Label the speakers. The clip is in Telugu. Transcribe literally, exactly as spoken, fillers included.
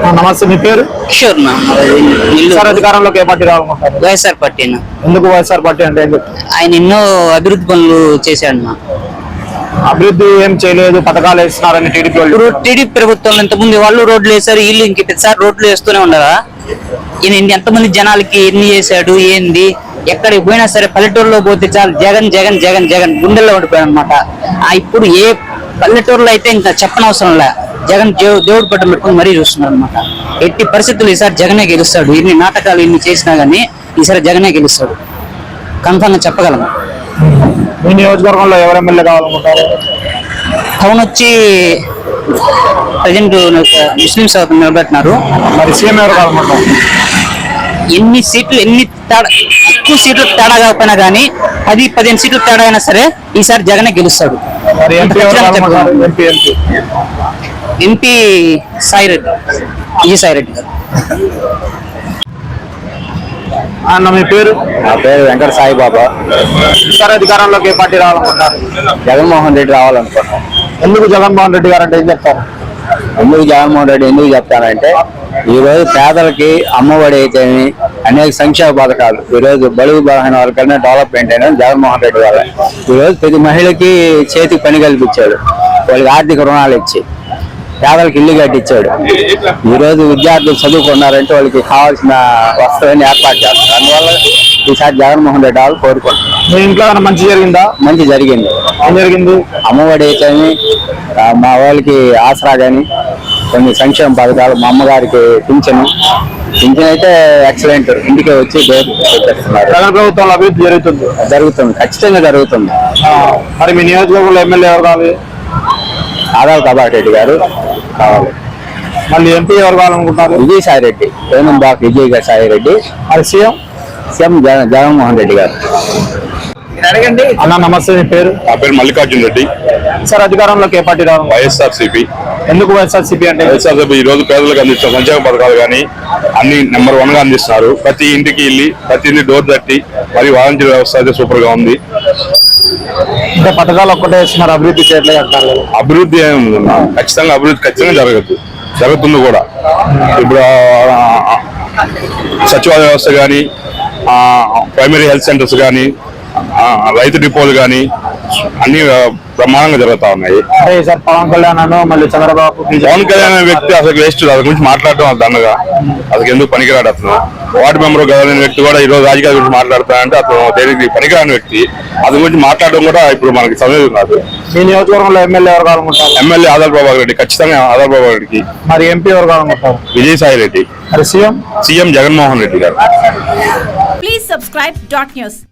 Speaker 1: నమస్తే, మీ పేరు?
Speaker 2: కిషోర్ నా
Speaker 1: సార్, అధికారంలోకి ఏ పార్టీ రావాలనుకుంటారు?
Speaker 2: వైఎస్ఆర్ పార్టీ నా.
Speaker 1: ఎందుకు వైఎస్ఆర్ పార్టీ అంటే ఏం చెప్తారు?
Speaker 2: ఆయన ఎన్నో అభివృద్ధి పనులు చేశాడు నా.
Speaker 1: అభివృద్ధి ఏం చేయలేదు, పథకాలు వేస్తున్నారని టీడీపీ వాళ్ళు.
Speaker 2: ఇప్పుడు టీడీపీ ప్రభుత్వం ఇంతకుముందు వాళ్ళు రోడ్లు వేశారు, వీళ్ళు ఇంక ప్రతిసారి రోడ్లు వేస్తూనే ఉండరా? ఈయన ఎంతమంది జనాలకి ఎన్ని చేశాడు ఏంది? ఎక్కడికి పోయినా సరే పల్లెటూరులో పోతే చాలు జగన్ జగన్ జగన్ జగన్ గుండెల్లో ఉండిపోయాడు అనమాట. ఇప్పుడు ఏ పల్లెటూరులో అయితే ఇంకా చెప్పనవసరం లే, జగన్ దేవుడు పట్టం పెట్టుకుని మరీ చూస్తున్నారు అనమాట. ఎట్టి పరిస్థితులు ఈసారి జగనే గెలుస్తాడు. ఇన్ని నాటకాలు ఇన్ని చేసినా గానీ ఈసారి జగనే గెలుస్తాడు, కన్ఫర్మ్ గా చెప్పగలము.
Speaker 1: మీ నియోజకవర్గంలో ఎవరు ఎమ్మెల్యే కావాలనుకుంటారు?
Speaker 2: టౌన్ వచ్చి ప్రజెంట్ ముస్లింస్ నిలబెట్టినారు.
Speaker 1: మరి సీఎం ఎవరు కావాలనుకుంటారు?
Speaker 2: ఎన్ని సీట్లు ఎన్ని తేడా ఎక్కువ సీట్లు తేడా కాకపోయినా కానీ పది పదిహేను సీట్లు తేడా అయినా సరే ఈసారి జగనే గెలుస్తాడు.
Speaker 1: మరి ఎంపీ ఎవరు కావాలనుకుంటారు? ఎంపీ ఎంపీ
Speaker 2: ఎంపీ సాయిరెడ్డి, ఈ సాయిరెడ్డి గారు.
Speaker 1: అన్న, మీ పేరు?
Speaker 3: నా పేరు వెంకట సాయిబాబా.
Speaker 1: సార్, అధికారంలోకి ఏ పార్టీ రావాలనుకుంటారు?
Speaker 3: జగన్మోహన్ రెడ్డి రావాలనుకుంటున్నాం.
Speaker 1: ఎందుకు జగన్మోహన్ రెడ్డి గారు అంటే ఏం చెప్తారు?
Speaker 3: ఎందుకు జగన్మోహన్ రెడ్డి ఎందుకు చెప్తానంటే, ఈ రోజు పేదలకి అమ్మఒడి అయితే అనేక సంక్షేమ పథకాలు, ఈ రోజు బడుగు బలహీన వర్గాలనే డెవలప్మెంట్ అయినా జగన్మోహన్ రెడ్డి వల్ల. ఈ రోజు ప్రతి మహిళకి చేతికి పని కల్పించాడు, వాళ్ళకి ఆర్థిక రుణాలు ఇచ్చి పేదలకు ఇల్లు కట్టించాడు. ఈ రోజు విద్యార్థులు చదువుకున్నారంటే వాళ్ళకి కావాల్సిన వస్తువుని ఏర్పాటు చేస్తారు. అందువల్ల ఈసారి జగన్మోహన్ రెడ్డి వాళ్ళు కోరుకుంటున్నారు.
Speaker 1: మీ ఇంట్లో ఏమైనా మంచి జరిగిందా?
Speaker 3: మంచి జరిగింది.
Speaker 1: ఏం జరిగింది?
Speaker 3: అమ్మఒడి అయితే మా వాళ్ళకి ఆసరా కానీ కొన్ని సంక్షేమ పథకాలు, మా అమ్మగారికి పింఛను పింఛన్ అయితే ఎక్సలెంట్, ఇంటికే వచ్చి చేస్తున్నారు.
Speaker 1: జగన్ ప్రభుత్వంలో అభివృద్ధి జరుగుతుంది
Speaker 3: జరుగుతుంది ఖచ్చితంగా జరుగుతుంది.
Speaker 1: మరి మీ నియోజకవర్గంలో ఎమ్మెల్యే ఎవరు కావాలి?
Speaker 3: ఆదాల్ ప్రభాకర్ రెడ్డి గారు కావాలి.
Speaker 1: మళ్ళీ ఎంపీ ఎవరు కావాలనుకుంటారు?
Speaker 3: విజయసాయి రెడ్డి, పేమెంట్ బాక్ విజయ్ సాయి రెడ్డి.
Speaker 1: మరి సీఎం?
Speaker 3: సీఎం జగన్ జగన్మోహన్ రెడ్డి గారు.
Speaker 1: అడగండి. అన్న, నమస్తే, మీ పేరు?
Speaker 4: నా పేరు మల్లికార్జున రెడ్డి.
Speaker 1: సార్, అధికారంలోకి ఏ పార్టీ రావాలి?
Speaker 4: YSR CP.
Speaker 1: ఎందుకు వైఎస్ఆర్ సిపి అంటే?
Speaker 4: వైఎస్ఆర్ సిపి ఈ రోజు పేదలకు అందిస్తున్న సంక్షేమ పథకాలు కానీ అన్ని నెంబర్ వన్ గా అందిస్తున్నారు. ప్రతి ఇంటికి వెళ్ళి ప్రతి ఇంటి డోర్ తట్టి మరి వాలంటీర్ వ్యవస్థ అయితే సూపర్ గా ఉంది.
Speaker 1: అంటే పథకాలు ఒక్కటే ఇస్తున్నారు, అభివృద్ధి చేయట్లేదు అంటారు.
Speaker 4: అభివృద్ధి ఏముంది, ఖచ్చితంగా అభివృద్ధి ఖచ్చితంగా జరగదు, జరుగుతుంది కూడా. ఇప్పుడు సచివాలయ వ్యవస్థ కానీ, ప్రైమరీ హెల్త్ సెంటర్స్ కానీ, రైతు డిపోలు కానీ అన్ని బ్రహ్మాండంగా జరుగుతా ఉన్నాయి.
Speaker 1: సార్, పవన్ కళ్యాణ్ అను మళ్ళీ చంద్రబాబు.
Speaker 4: పవన్ కళ్యాణ్ అనే వ్యక్తి అసలు వేస్ట్, దాని గురించి మాట్లాడటం అది దండగా, అసలు ఎందుకు పనికిరాడు. అతను వార్డు మెంబర్ గవర్నమెంట్ వ్యక్తి కూడా ఈ రోజు రాజకీయాల గురించి మాట్లాడతానంటే అతను దేనికి పనికిరాని వ్యక్తి. అతని గురించి మాట్లాడడం కూడా ఇప్పుడు మనకి సమయం కాదు.
Speaker 1: మీ నియోజకవర్గంలో ఎమ్మెల్యే ఎవరు కావాలనుకుంటారు?
Speaker 4: ఎమ్మెల్యే ఆదాల్ ప్రభాకర్ రెడ్డి, ఖచ్చితంగా ఆదాల్ ప్రభాకర్ రెడ్డికి.
Speaker 1: మరి ఎంపీ ఎవరు కావాలనుకుంటారు?
Speaker 4: విజయసాయి రెడ్డి.
Speaker 1: మరి సీఎం?
Speaker 4: సీఎం జగన్మోహన్ రెడ్డి గారు.
Speaker 5: Please subscribe dot news.